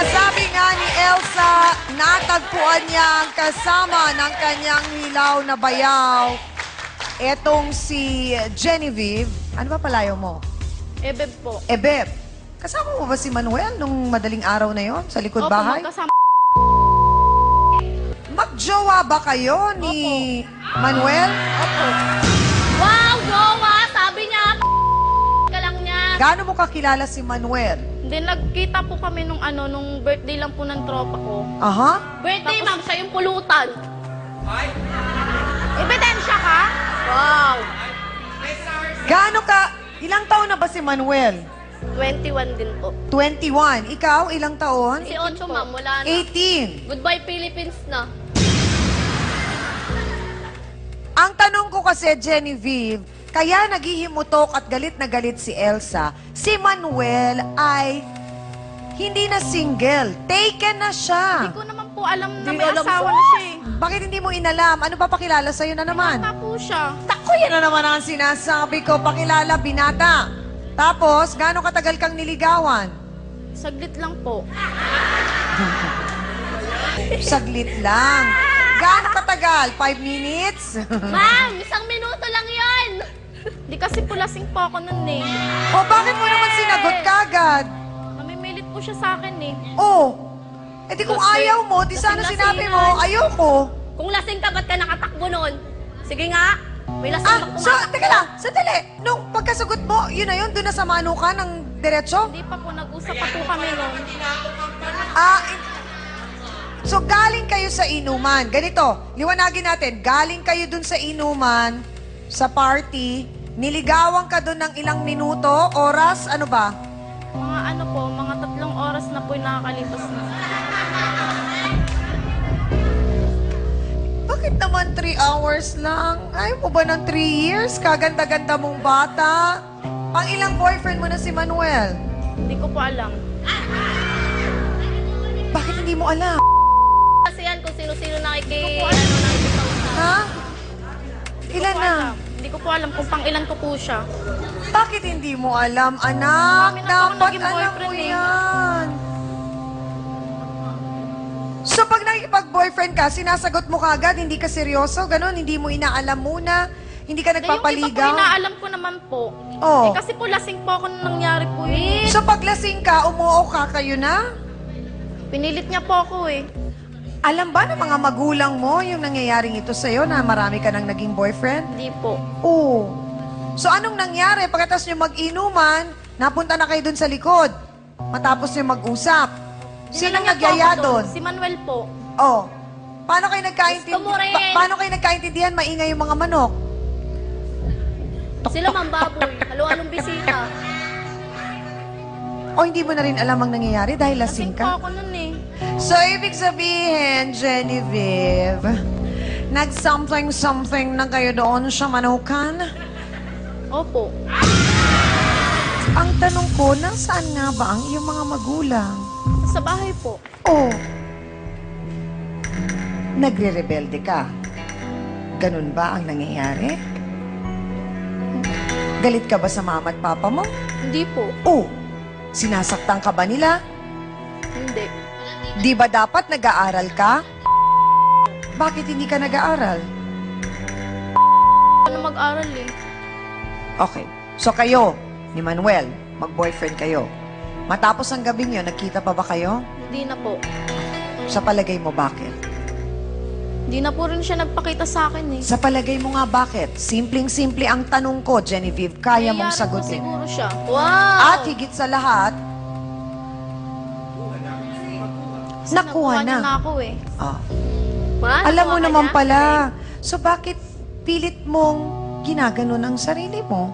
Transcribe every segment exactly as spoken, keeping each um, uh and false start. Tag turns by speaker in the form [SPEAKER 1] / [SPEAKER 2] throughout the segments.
[SPEAKER 1] Sabi nga ni Elsa, natagpuan niya ang kasama ng kanyang hilaw na bayaw. Etong si Genevieve. Ano ba palayo mo?
[SPEAKER 2] Ebeb po.
[SPEAKER 1] Ebeb. Kasama mo ba si Manuel nung madaling araw na yon sa likod
[SPEAKER 2] Opo,
[SPEAKER 1] bahay?
[SPEAKER 2] magkasama.
[SPEAKER 1] Magjowa ba kayo ni Manuel?
[SPEAKER 2] Opo. Wow, jowa! Sabi niya, ka lang niya.
[SPEAKER 1] Gaano mo kakilala si Manuel?
[SPEAKER 2] Hindi, nagkita po kami nung ano, nung birthday lang po ng tropa ko.
[SPEAKER 1] Aha.
[SPEAKER 2] Birthday, ma'am, siya yung pulutan. Ay? Ebidensya ka? Wow.
[SPEAKER 1] Gaano ka, ilang taon na ba si Manuel?
[SPEAKER 2] twenty-one din po.
[SPEAKER 1] twenty-one. Ikaw, ilang taon?
[SPEAKER 2] Si Ocho, ma'am, wala na.
[SPEAKER 1] eighteen.
[SPEAKER 2] Goodbye, Philippines na.
[SPEAKER 1] Ang tanong ko kasi, Genevieve, kaya naghihimutok at galit na galit si Elsa, si Manuel ay hindi na single. Taken na siya.
[SPEAKER 2] Hindi ko naman po alam na
[SPEAKER 1] Di
[SPEAKER 2] may
[SPEAKER 1] alam
[SPEAKER 2] asawa
[SPEAKER 1] mo?
[SPEAKER 2] na siya eh.
[SPEAKER 1] Bakit hindi mo inalam? Ano pa pakilala sa'yo na naman?
[SPEAKER 2] Bata po siya.
[SPEAKER 1] Tako, yan na naman ang sinasabi ko. Pakilala, binata. Tapos, gaano katagal kang niligawan?
[SPEAKER 2] Saglit lang po.
[SPEAKER 1] Saglit lang. Gaano katagal? Five minutes?
[SPEAKER 2] Ma'am, isang minuto lang yon. Di kasi po lasing po ako nun eh.
[SPEAKER 1] O bakit mo naman sinagot kagad?
[SPEAKER 2] Namimilit po siya sa akin eh.
[SPEAKER 1] Oh, eh di kung
[SPEAKER 2] Lasing.
[SPEAKER 1] ayaw mo, di sana
[SPEAKER 2] Lasing-lasingan.
[SPEAKER 1] sinabi mo, ayoko.
[SPEAKER 2] Kung lasing ka, ba't ka nakatakbo nun? Sige nga, may lasing
[SPEAKER 1] Ah,
[SPEAKER 2] bang
[SPEAKER 1] so,
[SPEAKER 2] tumatakbo?
[SPEAKER 1] teka lang, sandali. Nung pagkasagot mo, yun na yun, doon na sa mano ka ng diretso?
[SPEAKER 2] Hindi pa po, nag-usap pa po kami nun.
[SPEAKER 1] Ah, in- so galing kayo sa inuman. Ganito, liwanagin natin, galing kayo dun sa inuman, sa party, niligawan ka dun ng ilang minuto, oras, ano ba?
[SPEAKER 2] Mga ano po, mga tatlong oras na po yung nakakalipas na.
[SPEAKER 1] Bakit naman three hours lang? Ayaw mo ba ng three years? Kaganda-ganda mong bata. Pang ilang boyfriend mo na si Manuel?
[SPEAKER 2] Hindi ko po alam.
[SPEAKER 1] Bakit hindi mo alam?
[SPEAKER 2] Kasi yan kung sino-sino nakiki... Ano, nakikipag-usap.
[SPEAKER 1] Ha?
[SPEAKER 2] Hindi ko
[SPEAKER 1] Ilan
[SPEAKER 2] po
[SPEAKER 1] na?
[SPEAKER 2] alam. Hindi ko po alam kung pang ilan ko po siya.
[SPEAKER 1] Bakit hindi mo alam, anak?
[SPEAKER 2] Marami na po akong
[SPEAKER 1] Dapat
[SPEAKER 2] naging
[SPEAKER 1] alam mo
[SPEAKER 2] boyfriend eh.
[SPEAKER 1] yan. So pag nakikipag-boyfriend ka, sinasagot mo kagad, hindi ka seryoso, ganun, hindi mo inaalam muna, hindi ka
[SPEAKER 2] Hindi, yung iba po
[SPEAKER 1] nagpapaligaw.
[SPEAKER 2] inaalam ko naman po.
[SPEAKER 1] Oh.
[SPEAKER 2] Eh, kasi po lasing po ako nung nangyari po yun.
[SPEAKER 1] So pag lasing ka, umuo ka, kayo na?
[SPEAKER 2] Pinilit niya po ako eh.
[SPEAKER 1] Alam ba ng mga magulang mo yung nangyayaring ito sa'yo na marami ka nang naging boyfriend?
[SPEAKER 2] Hindi po.
[SPEAKER 1] Oo. So anong nangyari? Pagkatapos nyo mag-inuman, napunta na kayo dun sa likod. Matapos nyo mag-usap. Sinong
[SPEAKER 2] Dinala niya po
[SPEAKER 1] nagyaya
[SPEAKER 2] ako
[SPEAKER 1] doon?
[SPEAKER 2] Si Manuel po.
[SPEAKER 1] Oh. Paano kayo nagkaintindihan?
[SPEAKER 2] Gusto mo rin.
[SPEAKER 1] Pa- paano kayo nagkaintindihan? Maingay yung mga manok.
[SPEAKER 2] Sila mang baboy. Halo-halong bisita.
[SPEAKER 1] O hindi mo na rin alam ang nangyayari dahil lasing
[SPEAKER 2] Lasing po
[SPEAKER 1] ka?
[SPEAKER 2] ako nun eh.
[SPEAKER 1] So, ibig sabihin, Genevieve, nag-something-something na kayo doon sa manukan?
[SPEAKER 2] Opo.
[SPEAKER 1] Ang tanong ko, nasaan nga ba ang iyong mga magulang?
[SPEAKER 2] Sa bahay po.
[SPEAKER 1] O, nagre-rebelde ka? Ganun ba ang nangyayari? Galit ka ba sa mama at papa mo?
[SPEAKER 2] Hindi po.
[SPEAKER 1] O, sinasaktan ka ba nila?
[SPEAKER 2] Hindi.
[SPEAKER 1] Di ba dapat nag-aaral ka? Bakit hindi ka nag-aaral?
[SPEAKER 2] Ano mag-aral eh.
[SPEAKER 1] Okay. So kayo, ni Manuel, mag-boyfriend kayo. Matapos ang gabing yun, nagkita pa ba kayo?
[SPEAKER 2] Hindi na po.
[SPEAKER 1] Sa palagay mo, bakit?
[SPEAKER 2] Hindi na po rin siya nagpakita sa akin eh.
[SPEAKER 1] Sa palagay mo nga, bakit? Simpleng-simple ang tanong ko, Genevieve, kaya mong
[SPEAKER 2] Nangyayari po
[SPEAKER 1] sagutin.
[SPEAKER 2] siguro siya. Wow!
[SPEAKER 1] At higit sa lahat,
[SPEAKER 2] Kasi
[SPEAKER 1] nakuha na.
[SPEAKER 2] niya na ako eh.
[SPEAKER 1] ah,
[SPEAKER 2] Ma,
[SPEAKER 1] alam mo
[SPEAKER 2] nakuha ka
[SPEAKER 1] naman
[SPEAKER 2] niya?
[SPEAKER 1] pala. So bakit pilit mong ginaganon ang sarili mo?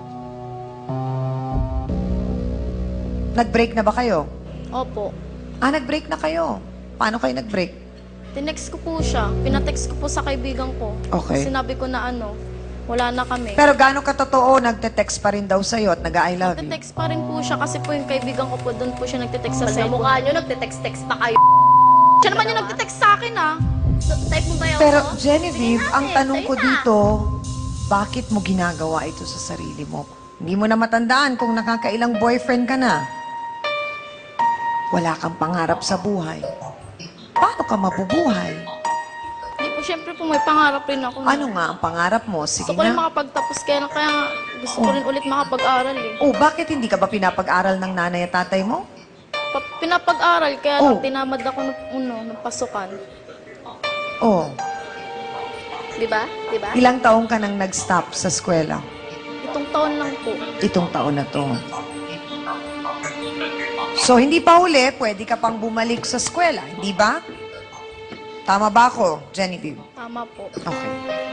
[SPEAKER 1] Nag-break na ba kayo?
[SPEAKER 2] Opo.
[SPEAKER 1] Ah, nag-break na kayo. Paano kayo nag-break?
[SPEAKER 2] Tinext ko po siya. Pinatext ko po sa kaibigan ko.
[SPEAKER 1] Okay.
[SPEAKER 2] Sinabi ko na ano, wala na kami.
[SPEAKER 1] Pero gaano katotoo, nagte-text pa rin daw sa'yo at nag-I love you?
[SPEAKER 2] Nagte-text pa rin po siya kasi po yung kaibigan ko po, doon po siya nagte-text sa cellphone.
[SPEAKER 3] mukha nyo, nagte-text-text pa kayo.
[SPEAKER 2] Siya naman yung nagte-text sa akin ah.
[SPEAKER 3] Type mo ba yun?
[SPEAKER 1] Pero
[SPEAKER 3] ako?
[SPEAKER 1] Genevieve,
[SPEAKER 3] Sige
[SPEAKER 1] ang
[SPEAKER 3] natin,
[SPEAKER 1] tanong ko
[SPEAKER 3] sa'yo na.
[SPEAKER 1] dito, bakit mo ginagawa ito sa sarili mo? Hindi mo na matandaan kung nakakailang boyfriend ka na. Wala kang pangarap sa buhay. Paano ka mabubuhay?
[SPEAKER 2] Hindi po, syempre po may pangarap rin ako. na-
[SPEAKER 1] Ano nga ang pangarap mo? Sige
[SPEAKER 2] Gusto ko rin
[SPEAKER 1] na.
[SPEAKER 2] makapagtapos kaya na kaya nga gusto ko rin ulit makapag-aral eh.
[SPEAKER 1] Oh, bakit hindi ka ba pinapag-aral ng nanay at tatay mo?
[SPEAKER 2] Pa- pinapag-aral kaya
[SPEAKER 1] Oh.
[SPEAKER 2] lang tinamad ako ng, ano, ng pasukan.
[SPEAKER 1] Oh,
[SPEAKER 3] Di ba? Di ba?
[SPEAKER 1] ilang taong ka nang nag-stop sa eskwela?
[SPEAKER 2] Itong taon lang po.
[SPEAKER 1] Itong taon na to. So, hindi pa huli, pwede ka pang bumalik sa eskwela, hindi ba? Tama ba ako, Genevieve?
[SPEAKER 2] Tama po.
[SPEAKER 1] Okay.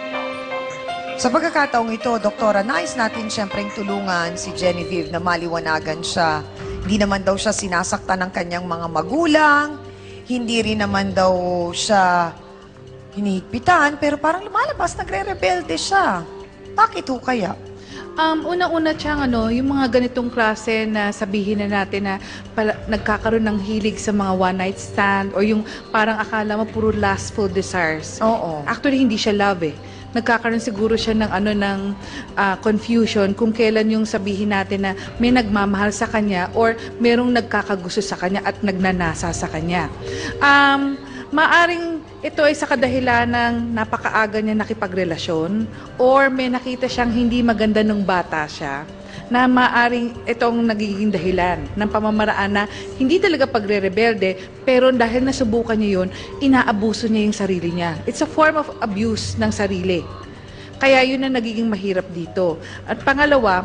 [SPEAKER 1] Sa pagkakataong ito, Doktora, nais natin siyempreng tulungan si Genevieve na maliwanagan siya. Hindi naman daw siya sinasaktan ng kanyang mga magulang, hindi rin naman daw siya hinihigpitan, pero parang lumalabas, nagre-rebelde siya. Bakit ho kaya?
[SPEAKER 4] Um, una-una siyang ano, yung mga ganitong klase na sabihin na natin na pala, nagkakaroon ng hilig sa mga one-night stand or yung parang akala mo puro lustful desires.
[SPEAKER 1] Oo.
[SPEAKER 4] Actually, hindi siya love eh. Nagkakaroon siguro siya ng ano ng ah, confusion kung kailan yung sabihin natin na may nagmamahal sa kanya or merong nagkakagusto sa kanya at nagnanasa sa kanya. Um, maaring ito ay sa kadahilan ng napakaaga niya nakipagrelasyon or may nakita siyang hindi maganda nung bata siya na maaring itong nagiging dahilan ng pamamaraan na hindi talaga pagre-rebelde pero dahil nasubukan niya yun, inaabuso niya yung sarili niya. It's a form of abuse ng sarili. Kaya yun ang nagiging mahirap dito. At pangalawa,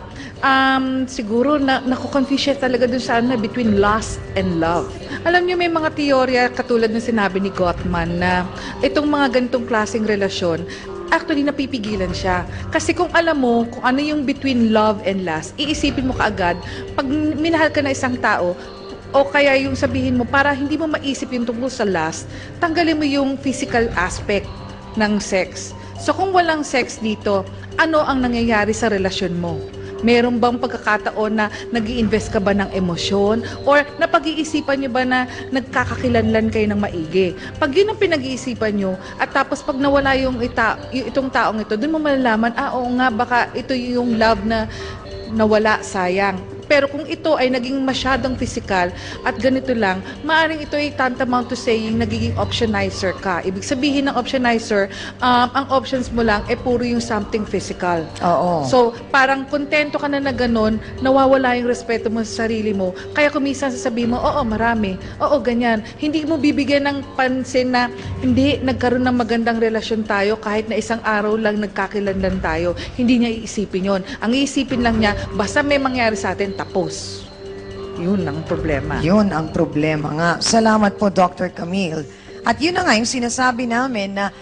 [SPEAKER 4] um, siguro na, nakukonfuse siya talaga dun sa ano, between lust and love. Alam niyo, may mga teorya katulad ng sinabi ni Gottman na itong mga ganitong klaseng relasyon, actually napipigilan siya. Kasi kung alam mo kung ano yung between love and lust, iisipin mo kaagad, pag minahal ka na isang tao, o kaya yung sabihin mo, para hindi mo maisip yung tungkol sa lust, tanggalin mo yung physical aspect ng sex. So kung walang sex dito, ano ang nangyayari sa relasyon mo? Meron bang pagkakataon na nag-i-invest ka ba ng emosyon? Or napag-iisipan nyo ba na nagkakakilanlan kayo ng maigi? Pag yun ang pinag-iisipan nyo, at tapos pag nawala yung, ita, yung itong taong ito, dun mo malalaman, ah oo nga, baka ito yung love na nawala, sayang. Pero kung ito ay naging masyadong physical at ganito lang, maaring ito ay tantamount to saying nagiging optionizer ka. Ibig sabihin ng optionizer, um, ang options mo lang ay puro yung something physical.
[SPEAKER 1] Oo.
[SPEAKER 4] So, parang kontento ka na na ganun, nawawala yung respeto mo sa sarili mo. Kaya kumisan sasabihin mo, oo, marami. Oo, ganyan. Hindi mo bibigyan ng pansin na hindi, nagkaroon ng magandang relasyon tayo kahit na isang araw lang nagkakilanlan tayo. Hindi niya iisipin yon. Ang iisipin lang niya, basta may mangyari sa atin, tapos. Yun ang problema.
[SPEAKER 1] Yun ang problema nga. Salamat po, Doctor Camille. At yun na nga yung sinasabi namin na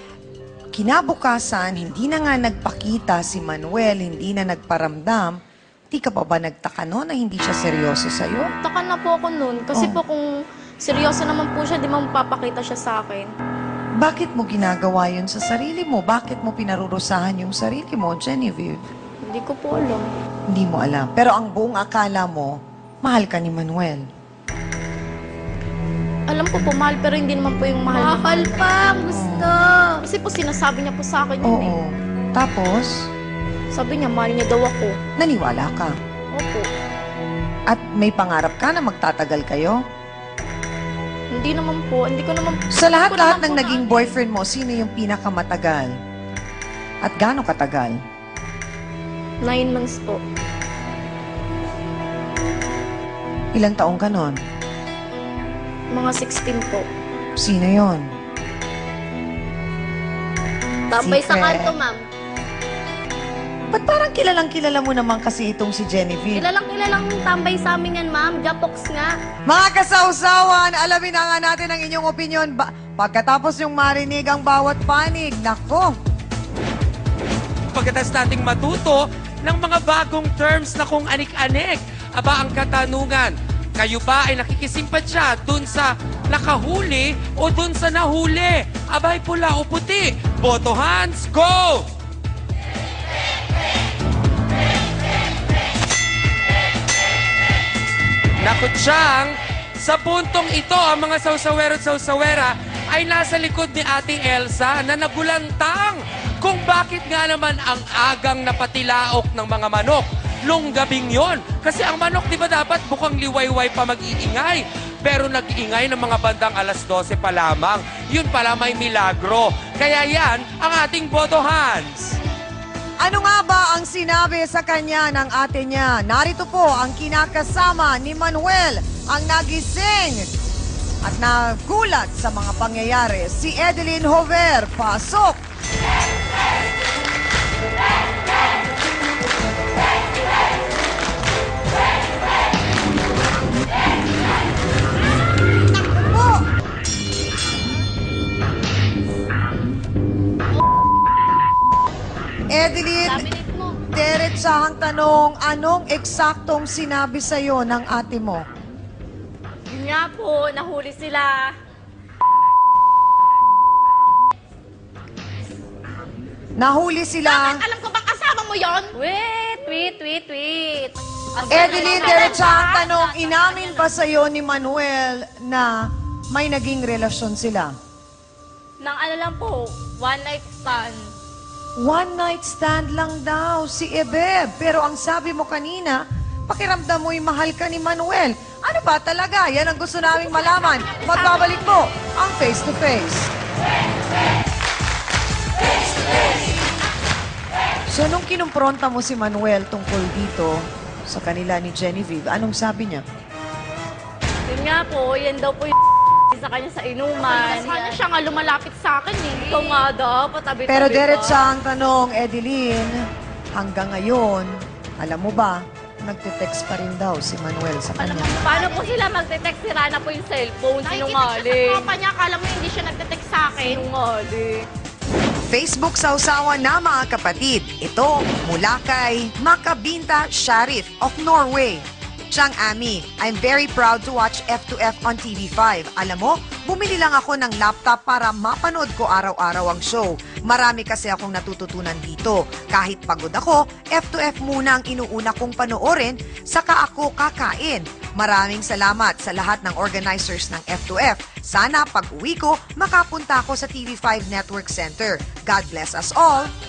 [SPEAKER 1] kinabukasan, hindi na nga nagpakita si Manuel, hindi na nagparamdam. Di ka pa ba nagtaka no na hindi siya seryoso sa'yo?
[SPEAKER 2] Taka na po ako nun. Kasi
[SPEAKER 1] Oh.
[SPEAKER 2] po kung seryoso naman po siya, di mo mapapakita siya sa akin.
[SPEAKER 1] Bakit mo ginagawa yun sa sarili mo? Bakit mo pinarurusahan yung sarili mo, Genevieve?
[SPEAKER 2] Hindi ko po alam.
[SPEAKER 1] Hindi mo alam. Pero ang buong akala mo, mahal ka ni Manuel.
[SPEAKER 2] Alam ko po, mahal, pero hindi naman po yung mahal.
[SPEAKER 3] Mahal pa, gusto.
[SPEAKER 2] Kasi po sinasabi niya po sa akin yun eh.
[SPEAKER 1] Oo. Tapos,
[SPEAKER 2] Sabi niya, mahal niya daw ako.
[SPEAKER 1] naniwala ka.
[SPEAKER 2] Opo.
[SPEAKER 1] At may pangarap ka na magtatagal kayo?
[SPEAKER 2] Hindi naman po. Hindi ko naman
[SPEAKER 1] Sa
[SPEAKER 2] hindi ko
[SPEAKER 1] lahat-lahat
[SPEAKER 2] naman
[SPEAKER 1] ng
[SPEAKER 2] po
[SPEAKER 1] naging boyfriend mo, sino yung pinakamatagal? At gaano katagal?
[SPEAKER 2] na- Nine months po.
[SPEAKER 1] Ilang taong ka nun?
[SPEAKER 2] Mga sixteen po.
[SPEAKER 1] Sino yon?
[SPEAKER 3] Tambay sa
[SPEAKER 1] Secret.
[SPEAKER 3] kanto, ma'am.
[SPEAKER 1] Ba't parang kilalang kilala mo naman kasi itong si Genevieve?
[SPEAKER 3] Kilalang kilalang tambay sa amin yan, ma'am. Japox nga.
[SPEAKER 1] Mga kasawsawan, alamin na nga natin ang inyong opinion. Ba- pagkatapos yung marinig ang bawat panig, nako,
[SPEAKER 5] Pagkatapos nating matuto ng mga bagong terms na kung anik-anik. Aba ang katanungan, kayo ba ay nakikisimpatya dun sa nakahuli o dun sa nahuli? Abay pula o puti? Boto hands, go! Nakutsyang, sa puntong ito, ang mga sausawero at sausawera ay nasa likod ni Ate Elsa na nagulantang kung bakit nga naman ang agang napatilaok ng mga manok nung gabing yon. Kasi ang manok, di ba dapat bukang liwayway pa mag-iingay? pero nag-ingay ng mga bandang alas dose pa lamang. Yun pala may milagro. Kaya yan ang ating Bodo Hans.
[SPEAKER 1] Ano nga ba ang sinabi sa kanya ng ate niya? Narito po ang kinakasama ni Manuel, ang nagising at nagulat sa mga pangyayari. Si Edeline Hover, pasok! Po! Edeline,
[SPEAKER 3] Laminate mo.
[SPEAKER 1] diretsahang tanong, anong eksaktong sinabi sa'yo ng ate mo?
[SPEAKER 2] Yun nga po, nahuli sila.
[SPEAKER 1] Nahuli sila.
[SPEAKER 2] Alam ko bang kasama mo yon?
[SPEAKER 3] Wait, wait, wait, wait.
[SPEAKER 1] Edeline, diretsahang tanong, inamin ba sa'yo ni Manuel na may naging relasyon sila?
[SPEAKER 3] Nang ano lang po, one night stand.
[SPEAKER 1] One night stand lang daw si Ebeb. Pero ang sabi mo kanina, pakiramdam mo'y mahal ka ni Manuel. Ano ba talaga? Yan ang gusto naming malaman. Magbabalik po ang Face to Face. So, nung kinumpronta mo si Manuel tungkol dito sa kanila ni Genevieve, anong sabi niya?
[SPEAKER 3] Yun nga po, yan daw po yung sa kanya sa inuman.
[SPEAKER 2] Sana siya nga lumalapit sa akin eh.
[SPEAKER 3] Ikaw nga daw, patabi-tabi
[SPEAKER 1] Pero
[SPEAKER 3] pa.
[SPEAKER 1] diretsahang tanong, Edeline, hanggang ngayon, alam mo ba, nagte-text pa rin daw si Manuel sa kanya.
[SPEAKER 3] Paano po sila magte-text? Sira na po yung cellphone.
[SPEAKER 2] Nakikita siya sa
[SPEAKER 3] Sinungaling.
[SPEAKER 2] tropa niya, akala mo hindi siya nagte-text sa akin.
[SPEAKER 3] Sinungaling.
[SPEAKER 1] Facebook sausawan na mga kapatid. Ito mula kay Makabinta Sharif of Norway. Chang Ami, I'm very proud to watch F two F on T V five. Alam mo, bumili lang ako ng laptop para mapanood ko araw-araw ang show. Marami kasi akong natututunan dito. Kahit pagod ako, F two F muna ang inuuna kong panoorin, saka ako kakain. Maraming salamat sa lahat ng organizers ng F two F. Sana pag uwi ko, makapunta ako sa T V five Network Center. God bless us all.